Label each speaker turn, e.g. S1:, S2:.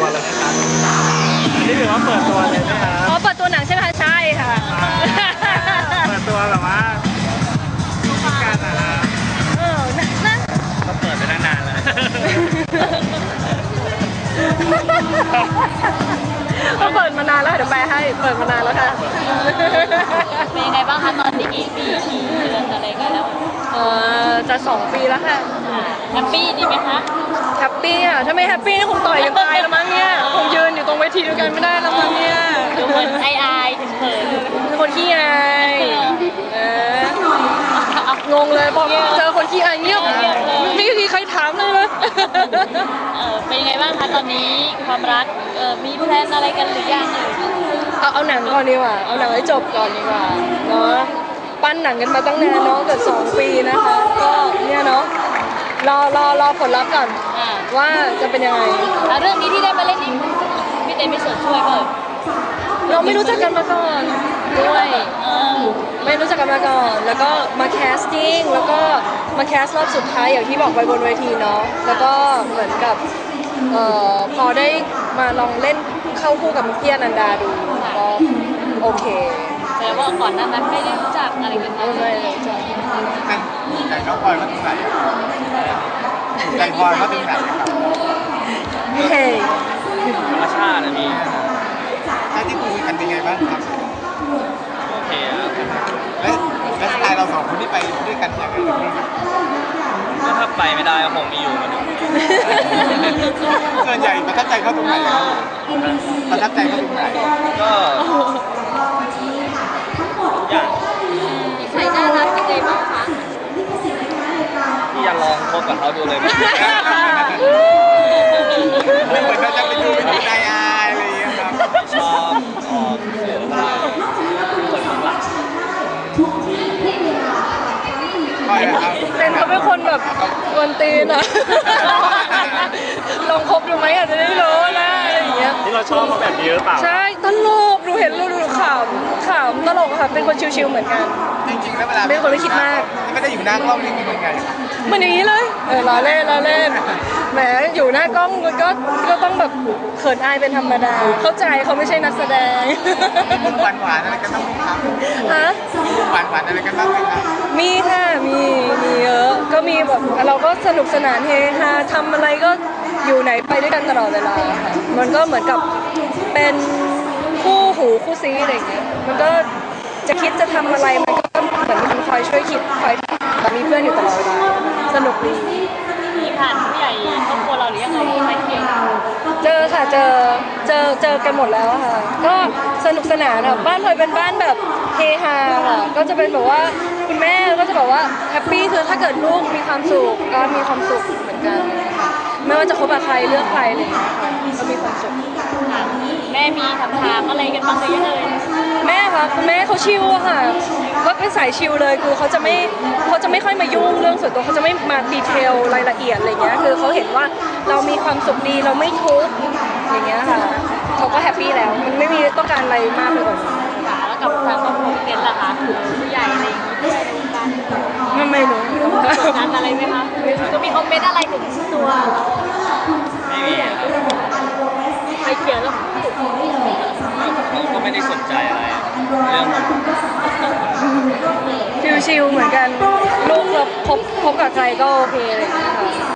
S1: เลยนะครับนี่ถือว่าเปิดตัวเลยนะครับ
S2: อ๋อเปิดตัวหนังใช่ไหมคะใช่ค่ะ
S1: เปิดตัวแบบว่าการ
S2: นั่น
S1: ก็เปิดไปตั้งนานแล้ว
S2: ก็เปิดมานานแล้วเดี๋ยวแปลให้เปิดมานานแล้วค่ะ
S3: เป็นยังไงบ้างคะตอนนี้กี่เดือนอะไรกันแล้ว
S2: จะ2 ปีแล้วค่ะ
S3: แฮปปี้ดีไหมคะ
S2: แฮปปี้อ่ะถ้าไม่แฮปปี้นี่คงต่อยกันตายแล้วมั้งเนี่ยคงยืนอยู่ตรงเวทีด้วยกันไม่ได้แล้วมั้งเนี่ย
S3: ดูเหมือนอายถึงเขิน
S2: เป็นคนขี้อายงงเลยพอเจอคนขี้อายเงียบไม่มีใครถามเลยนะ
S3: เป็นยังไงบ้างคะตอนนี้ความรักมีแพลนอะไรกันหรือยัง
S2: เอาหนังก่อนดีกว่าเอาหนังให้จบก่อนดีกว่าเนาะปั้นหนังกันมาตั้งนานเนาะเกือบ2 ปีนะคะก็เนี่ยเนาะรอผลลัพธ์ก่อนว่าจะเป็นยังไง
S3: เรื่องนี้ที่ได้มาเล่นนี่พี่เต้ไม่ส่วนช่วยเปล่า
S2: เราไม่รู้จักกันมาก่อนด้วยไม่รู้จักกันมาก่อนแล้วก็มาแคสติ้งแล้วก็มาแคสรอบสุดท้ายอย่างที่บอกไปบนเวทีเนาะแล้วก็เหมือนกับพอได้มาลองเล่นเข้าคู่กับพี่อนันดาดูก็โอเค
S3: แต่ว่าก่อนหน้านั้นไม่ได้รู้จักอะไรกัน
S2: ไม่เลย
S1: ใจน้องพลอยเขาถึงไหนใจพลอยเขาถึงไหนครับ
S2: เฮ้ย
S1: ธรรมชาตินะพี่ถ้าที่คุยกันเป็นไงบ้างครับโอเคแล้วสไตล์เรา2 คนที่ไปด้วยกันยังไงก็ถ้าไปไม่ได้ก็คงมีอยู่กันส่วนใหญ่ประทับใจเขาตรงไหนครับประทับใจเขาตรงไหนก็อย่าง
S3: ใส่น่ารักยังไงบ้างคะ
S1: ที่จะลองคบกับเขาดูเลยไม่เหมือนเราจะไปดูเป็นใจอายอะไรอย่างเงี้ยครับชอบเสืออะไรคนข้างหลัง
S2: เป็นเขาเป็นคนแบบกวนตีนอะลองคบดูไหมอาจจะได้รู้นะอะไรอย่างเงี้ย
S1: ที่เราชอบเขาแบบนี้หรือเปล่า
S2: ใช่ตลกดูเห็นดูขำตลกค่ะเป็นคนชิวๆเหมือนกัน
S1: จริงๆแล้วเวลา
S2: เป็นคนไม่คิดมาก
S1: ไม่ได้อยู่หน้ากล้องนี่เป็นไง
S2: เหมือนอย่างนี้เลยล้อเล่นแหมอยู่หน้ากล้องก็ต้องแบบเขินอายเป็นธรรมดาเข้าใจเขาไม่ใช่นักแสดง
S1: หวานอะไรกันบ้างไหมครับ
S2: ฮะ
S1: หวานอะไรกันบ้างไหมครับ
S2: มีค่ะมีเยอะก็มีแบบเราก็สนุกสนานเฮฮาทำอะไรก็อยู่ไหนไปด้วยกันตลอดเวลาค่ะมันก็เหมือนกับเป็นคู่หูคู่ซีอะไรอย่างเงี้ยมันก็จะคิดจะทำอะไรมันก็เหมือนมีคนคอยช่วยคิดคอยแบบมีเพื่อนอยู่ตลอดเวลาสนุกดี
S3: มีผ่านผู้ใหญ่ครอบครัวเราหรือยังไงใครเที่ยว
S2: เจอค่ะเจอกันหมดแล้วค่ะก็สนุกสนานค่ะบ้านพลอยเป็นบ้านแบบเฮฮาค่ะก็จะเป็นแบบว่าคุณแม่ก็จะบอกว่าแฮปปี้คือถ้าเกิดลูกมีความสุขก็มีความสุขเหมือนกันไม่ว่าจะคบกับใครเลือกใครอะไรอย่างเงี้ยค่ะก็มีความสุข
S3: แม่มีถามอะไรกันบ้างหรือยังเลย
S2: แม่ค่ะคุณแม่เขาชิลอะค่ะก็เป็นสายชิลเลยคือเขาจะไม่ค่อยมายุ่งเรื่องส่วนตัวเขาจะไม่มาดีเทลรายละเอียดอะไรเงี้ยคือเขาเห็นว่าเรามีความสุขดีเราไม่ทุกข์อย่างเงี้ยค่ะเขาก็แฮปปี้แล้วมันไม่มีต้องการอะไรมากไปกว่า
S3: แล้วกับทางครอบครัวเกณฑ์ล่ะคะผู้ใหญ่อะไรอย่างงี้
S2: ไม่รู้
S3: งานอะไรไหมคะก็มีคอมเมนต์อะไรถึงตัว
S1: ไม่มี
S3: ใครเขียนแล้ว
S1: ก็ไม่ได้สนใจอะไรเรื่อง
S2: ชิลๆเหมือนกันลูกเราพบกับใครก็โอเคเลย